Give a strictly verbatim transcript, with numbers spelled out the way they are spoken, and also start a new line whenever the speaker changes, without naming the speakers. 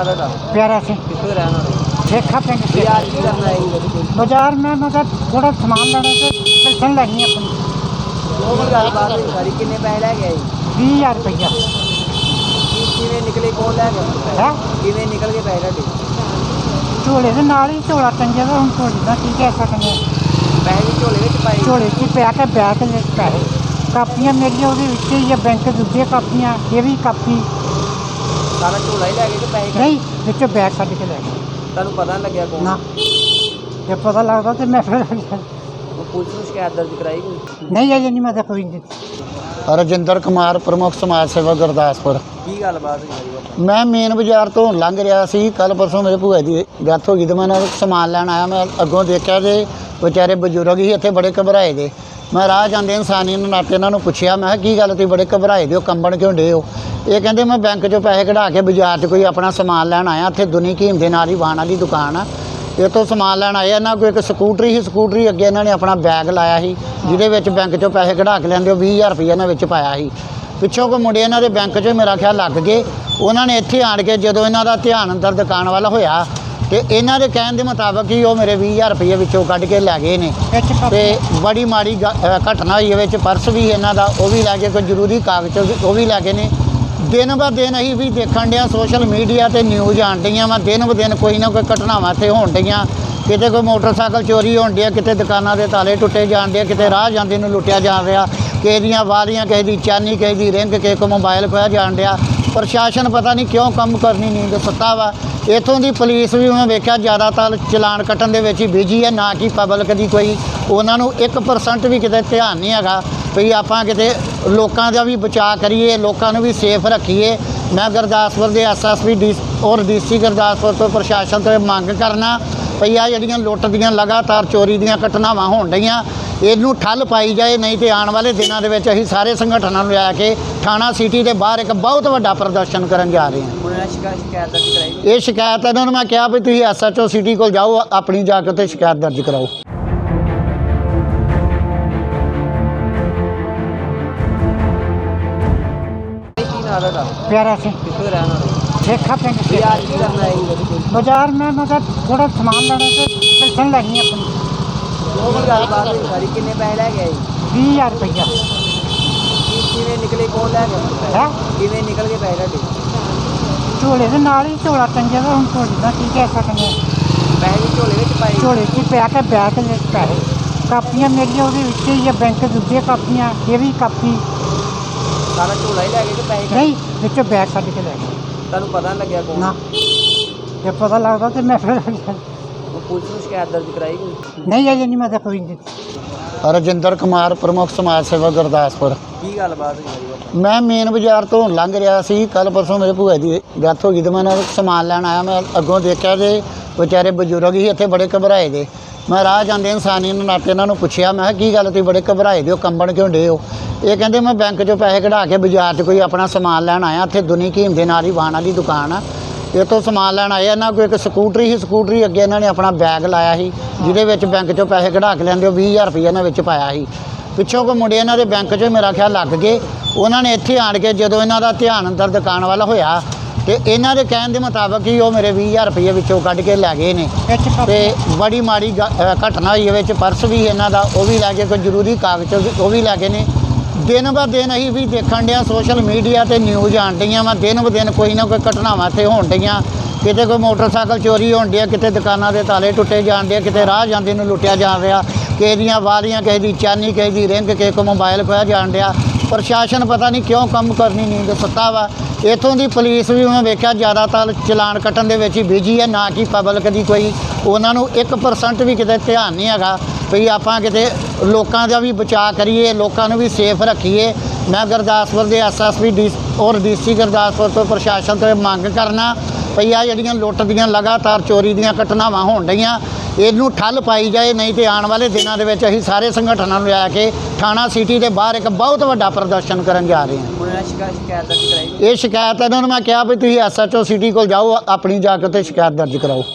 नाम है?
प्यारा सिंह
कितने रहना
देखा पिंड से
यार की करना है
बाजार में मतलब थोड़ा सामान लेने से पेंशन लेनी है अपनी
वो भी गलबात हुई सारी किन्ने पैसे लै गए
बीस हज़ार रुपया
किवें निकले कौन लै गया
है
किवें निकल के पैसे ढाडे
झोले के नाल ही झोला टंगे तो हम झोले का की कह सकते
पैसे भी झोले विच पाए
झोले च पै के बैग के पैसे कापियां मेरिया वो ही है बैंक दूजे कापियां ये भी कापी
सारा झोला ही लै गए कि पैसे
नहीं बिचों बैग कट के लै गए
तुहानूं पता नहीं लग्या कौन
ना जे पता लगता तो मैं फिर
वो पुलिस में शिकायत दर्ज कराई कोई
नहीं अजे नहीं मैं कोई नहीं
ਰਜਿੰਦਰ ਕੁਮਾਰ ਪ੍ਰਮੁੱਖ ਸਮਾਜ ਸੇਵਾ ਗੁਰਦਾਸਪੁਰ।
की गलबात हुई सारी
ਮੈਂ ਮੇਨ ਬਾਜ਼ਾਰ ਤੋਂ ਲੰਘ ਰਿਹਾ ਸੀ ਕੱਲ ਪਰਸੋਂ ਮੇਰੇ ਭੂਆ ਦੀ ਡੈਥ ਹੋ ਗਈ ਤੇ ਮੈਂ ਨਾਲ ਸਮਾਨ ਲੈਣ ਆਇਆ ਮੈਂ ਅੱਗੋਂ ਦੇਖਿਆ ਤੇ ਵਿਚਾਰੇ ਬਜ਼ੁਰਗ ਹੀ ਇੱਥੇ ਬੜੇ ਘਬਰਾਏ ਦੇ ਮੈਂ ਰਾਹ ਜਾਂਦੇ ਇਨਸਾਨੀ ਨੂੰ ਨਾਤੇ ਇਹਨਾਂ ਨੂੰ ਪੁੱਛਿਆ ਮੈਂ ਕਿਹਾ ਕੀ ਗੱਲ ਤੁਸੀਂ ਬੜੇ ਘਬਰਾਏ ਦੇ ਹੋ ਕੰਬਣ ਕਿਉਂ ਡੇ ਹੋ ਇਹ ਕਹਿੰਦੇ ਮੈਂ ਬੈਂਕ 'ਚੋਂ ਪੈਸੇ ਕਢਾ ਕੇ ਬਾਜ਼ਾਰ 'ਚ ਕੋਈ ਆਪਣਾ ਸਮਾਨ ਲੈਣ ਆਇਆ ਇੱਥੇ ਦੁਨੀ ਕੀਮ ਦੇ ਨਾਲ ਹੀ ਵਾਹਨਾਂ ਦੀ ਦੁਕਾਨ ਆ ਇਹ ਤੋਂ ਸਮਾਨ ਲੈਣ ਆਏ ਇਹਨਾਂ ਕੋਈ ਇੱਕ ਸਕੂਟਰੀ ਸੀ ਸਕੂਟਰੀ ਅੱਗੇ ਇਹਨਾਂ ਨੇ ਆਪਣਾ ਬੈਗ ਲਾਇਆ ਸੀ ਜਿਹਦੇ ਵਿੱਚ ਬੈਂਕ 'ਚੋਂ ਪੈਸੇ ਕਢਾ ਕੇ ਲੈਂਦੇ ਉਹ ਵੀਹ ਹਜ਼ਾਰ ਰੁਪਈਆ ਇਹਨਾਂ ਵਿੱਚ ਪਾਇਆ ਸੀ ਪਿੱਛੋਂ ਕੋਈ ਮੁੰਡੇ ਇਹਨਾਂ ਦੇ ਬੈਂਕ 'ਚ ਮੇਰਾ ਖਿਆਲ ਲੱਗ ਗਏ ਉਹਨਾਂ ਨੇ ਇੱਥੇ ਆਣ ਕੇ ਜਦੋਂ ਇਹਨਾਂ ਦਾ ਧਿਆਨ ਅੰਦਰ ਦੁਕਾਨ ਵੱਲ ਹੋਇਆ ਤੇ ਇਹਨਾਂ ਦੇ ਕਹਿਣ ਦੇ ਮੁਤਾਬਕ ਹੀ ਉਹ ਮੇਰੇ ਵੀਹ ਹਜ਼ਾਰ ਰੁਪਈਏ ਵਿੱਚੋਂ ਕੱਢ ਕੇ ਲੈ ਗਏ ਨੇ ਤੇ ਬੜੀ ਮਾੜੀ ਘਟਨਾ ਹੋਈ ਵਿੱਚ ਪਰਸ ਵੀ ਇਹਨਾਂ ਦਾ ਉਹ ਵੀ ਲੈ ਕੇ ਕੋਈ ਜ਼ਰੂਰੀ ਕਾਗਜ਼ ਉਹ ਵੀ ਲੈ ਗਏ ਨੇ ਦਿਨ ਬ ਦਿਨ ਅਸੀਂ ਵੀ ਦੇਖਣ ਡਿਆ ਸੋਸ਼ਲ ਮੀਡੀਆ ਤੇ ਨਿਊਜ਼ ਆਣ ਡਈਆਂ ਵਾ ਦਿਨ ਬ ਦਿਨ ਕੋਈ ਨਾ ਕੋਈ ਘਟਨਾਵਾਂ ਇੱਥੇ ਹੋਣ ਡਈਆਂ ਕਿਤੇ ਕੋਈ ਮੋਟਰਸਾਈਕਲ ਚੋਰੀ ਹੋਣ ਡਿਆ ਕਿਤੇ ਦੁਕਾਨਾਂ ਦੇ ਤਾਲੇ ਟੁੱਟੇ ਜਾਣ ਡੇ ਕਿਤੇ ਰਾਹ ਜਾਂਦੇ ਨੂੰ ਲੁੱਟਿਆ ਜਾ ਰਿਹਾ ਕਿਸੇ ਦੀਆਂ ਵਾਲੀਆਂ ਕਿਸੇ ਦੀ ਚਾਨੀ ਕਿਸੇ ਦੀ ਰਿੰਗ ਕਿਸੇ ਕੋ ਮੋਬਾਈਲ ਖੋਇਆ ਜਾਣ ਡਿਆ ਪ੍ਰਸ਼ਾਸਨ ਪਤਾ ਨਹੀਂ ਕਿਉਂ ਕੰਮ ਕਰਨੀ ਨਹੀਂ ਸੁੱਤਾ ਵਾ ਇੱਥੋਂ ਦੀ ਪੁਲਿਸ ਵੀ ਮੈਂ ਵੇਖਿਆ ਜ਼ਿਆਦਾਤਰ ਚਲਾਨ ਕੱਟਣ ਦੇ ਵਿੱਚ ਹੀ ਬਿਜੀ ਹੈ ਨਾ ਕਿ ਪਬਲਿਕ ਦੀ ਕੋਈ ਉਹਨਾਂ ਨੂੰ ਇੱਕ ਪਰਸੈਂਟ ਵੀ ਕਿਤੇ ਧਿਆਨ ਨਹੀਂ ਹੈਗਾ ਵੀ ਆਪਾਂ ਕਿਤੇ ਲੋਕਾਂ ਦਾ ਵੀ ਬਚਾਅ ਕਰੀਏ ਲੋਕਾਂ ਨੂੰ ਵੀ ਸੇਫ ਰੱਖੀਏ ਮੈਂ ਗੁਰਦਾਸਪੁਰ ਦੇ ਐਸ ਐਸ ਪੀ ਡੀ ਔਰ ਡੀ ਸੀ ਗੁਰਦਾਸਪੁਰ ਤੋਂ ਪ੍ਰਸ਼ਾਸਨ ਤੋਂ ਮੰਗ ਕਰਨਾ ਪਈ ਆ ਜਿਹੜੀਆਂ ਲੁੱਟ ਦੀਆਂ ਲਗਾਤਾਰ ਚੋਰੀ ਦੀਆਂ ਘਟਨਾਵਾਂ ਹੋਣ ਡਈਆਂ ਇਹਨੂੰ ਠੱਲ ਪਾਈ ਜਾਏ ਨਹੀਂ ਤੇ ਆਉਣ ਵਾਲੇ ਦਿਨਾਂ ਦੇ ਵਿੱਚ ਅਸੀਂ ਸਾਰੇ ਸੰਗਠਨਾਂ ਨੂੰ ਲੈ ਕੇ ਥਾਣਾ ਸਿਟੀ ਦੇ ਬਾਹਰ ਇੱਕ ਬਹੁਤ ਵੱਡਾ ਪ੍ਰਦਰਸ਼ਨ ਕਰਨ ਜਾ ਰਹੇ ਹਾਂ
ਉਹਨਾਂ ਨੇ ਸ਼ਿਕਾਇਤ ਸ਼ਿਕਾਇਤ ਦਰਜ ਕਰਾਈ
ਇਹ ਸ਼ਿਕਾਇਤ ਇਹਨਾਂ ਨੂੰ ਮੈਂ ਕਿਹਾ ਵੀ ਤੁਸੀਂ ਐਸ ਐਚ ਓ ਸਿਟੀ ਕੋਲ ਜਾਓ ਆਪਣੀ ਜਾ ਕੇ ਉੱਥੇ ਸ਼ਿਕਾਇਤ ਦਰਜ ਕਰਾਓ
की नाम है?
प्यारा सिंह
कितने रहना
देखा पिंड से
यार की करना है
बाजार में मतलब थोड़ा सामान लेने से पेंशन लेनी है अपनी
वो भी गलबात हुई सारी किन्ने पैसे लै गए
बीस हज़ार रुपया
किवें निकले कौन लै गया
है
किवें निकल के पैसे ढाडे
झोले के नाल ही झोला टंगे तो हम झोले का की कह सकते
पैसे भी झोले विच पाए
झोले च पै के बैग के पैसे कापियां मेरिया वो ही है बैंक दूजे कापियां ये भी कापी
सारा झोला ही लै गए कि पैसे
नहीं बिचों बैग कट के लै गए
तुहानूं पता नहीं लग्या कौन
ना जे पता लगता तो मैं फिर
वो पुलिस में शिकायत दर्ज कराई कोई
नहीं अजे नहीं मैं कोई नहीं
ਰਜਿੰਦਰ ਕੁਮਾਰ ਪ੍ਰਮੁੱਖ ਸਮਾਜ ਸੇਵਾ ਗੁਰਦਾਸਪੁਰ।
की गलबात हुई सारी
ਮੈਂ ਮੇਨ ਬਾਜ਼ਾਰ ਤੋਂ ਲੰਘ ਰਿਹਾ ਸੀ ਕੱਲ ਪਰਸੋਂ ਮੇਰੇ ਭੂਆ ਦੀ ਡੈਥ ਹੋ ਗਈ ਤੇ ਮੈਂ ਨਾਲ ਸਮਾਨ ਲੈਣ ਆਇਆ ਮੈਂ ਅੱਗੋਂ ਦੇਖਿਆ ਤੇ ਵਿਚਾਰੇ ਬਜ਼ੁਰਗ ਹੀ ਇੱਥੇ ਬੜੇ ਘਬਰਾਏ ਦੇ ਮੈਂ ਰਾਹ ਜਾਂਦੇ ਇਨਸਾਨੀ ਨੂੰ ਨਾਤੇ ਇਹਨਾਂ ਨੂੰ ਪੁੱਛਿਆ ਮੈਂ ਕਿਹਾ ਕੀ ਗੱਲ ਤੁਸੀਂ ਬੜੇ ਘਬਰਾਏ ਦੇ ਹੋ ਕੰਬਣ ਕਿਉਂ ਡੇ ਹੋ ਇਹ ਕਹਿੰਦੇ ਮੈਂ ਬੈਂਕ 'ਚੋਂ ਪੈਸੇ ਕਢਾ ਕੇ ਬਾਜ਼ਾਰ 'ਚ ਕੋਈ ਆਪਣਾ ਸਮਾਨ ਲੈਣ ਆਇਆ ਇੱਥੇ ਦੁਨੀ ਕੀਮ ਦੇ ਨਾਲ ਹੀ ਵਾਹਨਾਂ ਦੀ ਦੁਕਾਨ ਆ ਇਹ ਤੋਂ ਸਮਾਨ ਲੈਣ ਆਏ ਇਹਨਾਂ ਕੋਈ ਇੱਕ ਸਕੂਟਰੀ ਸੀ ਸਕੂਟਰੀ ਅੱਗੇ ਇਹਨਾਂ ਨੇ ਆਪਣਾ ਬੈਗ ਲਾਇਆ ਸੀ ਜਿਹਦੇ ਵਿੱਚ ਬੈਂਕ 'ਚੋਂ ਪੈਸੇ ਕਢਾ ਕੇ ਲੈਂਦੇ ਉਹ ਵੀਹ ਹਜ਼ਾਰ ਰੁਪਈਆ ਇਹਨਾਂ ਵਿੱਚ ਪਾਇਆ ਸੀ ਪਿੱਛੋਂ ਕੋਈ ਮੁੰਡੇ ਇਹਨਾਂ ਦੇ ਬੈਂਕ 'ਚ ਮੇਰਾ ਖਿਆਲ ਲੱਗ ਗਏ ਉਹਨਾਂ ਨੇ ਇੱਥੇ ਆਣ ਕੇ ਜਦੋਂ ਇਹਨਾਂ ਦਾ ਧਿਆਨ ਅੰਦਰ ਦੁਕਾਨ ਵੱਲ ਹੋਇਆ ਤੇ ਇਹਨਾਂ ਦੇ ਕਹਿਣ ਦੇ ਮੁਤਾਬਕ ਹੀ ਉਹ ਮੇਰੇ ਵੀਹ ਹਜ਼ਾਰ ਰੁਪਈਏ ਵਿੱਚੋਂ ਕੱਢ ਕੇ ਲੈ ਗਏ ਨੇ ਤੇ ਬੜੀ ਮਾੜੀ ਘਟਨਾ ਹੋਈ ਵਿੱਚ ਪਰਸ ਵੀ ਇਹਨਾਂ ਦਾ ਉਹ ਵੀ ਲੈ ਕੇ ਕੋਈ ਜ਼ਰੂਰੀ ਕਾਗਜ਼ ਉਹ ਵੀ ਲੈ ਗਏ ਨੇ ਦਿਨ ਬ ਦਿਨ ਅਸੀਂ ਵੀ ਦੇਖਣ ਡਿਆ ਸੋਸ਼ਲ ਮੀਡੀਆ ਤੇ ਨਿਊਜ਼ ਆਣ ਡਈਆਂ ਵਾ ਦਿਨ ਬ ਦਿਨ ਕੋਈ ਨਾ ਕੋਈ ਘਟਨਾਵਾਂ ਇੱਥੇ ਹੋਣ ਡਈਆਂ ਕਿਤੇ ਕੋਈ ਮੋਟਰਸਾਈਕਲ ਚੋਰੀ ਹੋਣ ਡਿਆ ਕਿਤੇ ਦੁਕਾਨਾਂ ਦੇ ਤਾਲੇ ਟੁੱਟੇ ਜਾਣ ਡੇ ਕਿਤੇ ਰਾਹ ਜਾਂਦੇ ਨੂੰ ਲੁੱਟਿਆ ਜਾ ਰਿਹਾ ਕਿਸੇ ਦੀਆਂ ਵਾਲੀਆਂ ਕਿਸੇ ਦੀ ਚਾਨੀ ਕਿਸੇ ਦੀ ਰਿੰਗ ਕਿਸੇ ਕੋ ਮੋਬਾਈਲ ਖੋਇਆ ਜਾਣ ਡਿਆ ਪ੍ਰਸ਼ਾਸਨ ਪਤਾ ਨਹੀਂ ਕਿਉਂ ਕੰਮ ਕਰਨੀ ਨਹੀਂ ਸੁੱਤਾ ਵਾ ਇੱਥੋਂ ਦੀ ਪੁਲਿਸ ਵੀ ਮੈਂ ਵੇਖਿਆ ਜ਼ਿਆਦਾਤਰ ਚਲਾਨ ਕੱਟਣ ਦੇ ਵਿੱਚ ਹੀ ਬਿਜੀ ਹੈ ਨਾ ਕਿ ਪਬਲਿਕ ਦੀ ਕੋਈ ਉਹਨਾਂ ਨੂੰ ਇੱਕ ਪਰਸੈਂਟ ਵੀ ਕਿਤੇ ਧਿਆਨ ਨਹੀਂ ਹੈਗਾ ਵੀ ਆਪਾਂ ਕਿਤੇ ਲੋਕਾਂ ਦਾ ਵੀ ਬਚਾਅ ਕਰੀਏ ਲੋਕਾਂ ਨੂੰ ਵੀ ਸੇਫ ਰੱਖੀਏ ਮੈਂ ਗੁਰਦਾਸਪੁਰ ਦੇ ਐਸ ਐਸ ਪੀ ਡੀ ਔਰ ਡੀ ਸੀ ਗੁਰਦਾਸਪੁਰ ਤੋਂ ਪ੍ਰਸ਼ਾਸਨ ਤੋਂ ਮੰਗ ਕਰਨਾ ਪਈ ਆ ਜਿਹੜੀਆਂ ਲੁੱਟ ਦੀਆਂ ਲਗਾਤਾਰ ਚੋਰੀ ਦੀਆਂ ਘਟਨਾਵਾਂ ਹੋਣ ਡਈਆਂ ਇਹਨੂੰ ਠੱਲ ਪਾਈ ਜਾਏ ਨਹੀਂ ਤੇ ਆਉਣ ਵਾਲੇ ਦਿਨਾਂ ਦੇ ਵਿੱਚ ਅਸੀਂ ਸਾਰੇ ਸੰਗਠਨਾਂ ਨੂੰ ਲੈ ਕੇ ਥਾਣਾ ਸਿਟੀ ਦੇ ਬਾਹਰ ਇੱਕ ਬਹੁਤ ਵੱਡਾ ਪ੍ਰਦਰਸ਼ਨ ਕਰਨ ਜਾ ਰਹੇ ਹਾਂ
ਉਹਨਾਂ ਨੇ ਸ਼ਿਕਾਇਤ ਸ਼ਿਕਾਇਤ ਦਰਜ ਕਰਾਈ
ਇਹ ਸ਼ਿਕਾਇਤ ਇਹਨਾਂ ਨੂੰ ਮੈਂ ਕਿਹਾ ਵੀ ਤੁਸੀਂ ਐਸ ਐਚ ਓ ਸਿਟੀ ਕੋਲ ਜਾਓ ਆਪਣੀ ਜਾ ਕੇ ਉੱਥੇ ਸ਼ਿਕਾਇਤ ਦਰਜ ਕਰਾਓ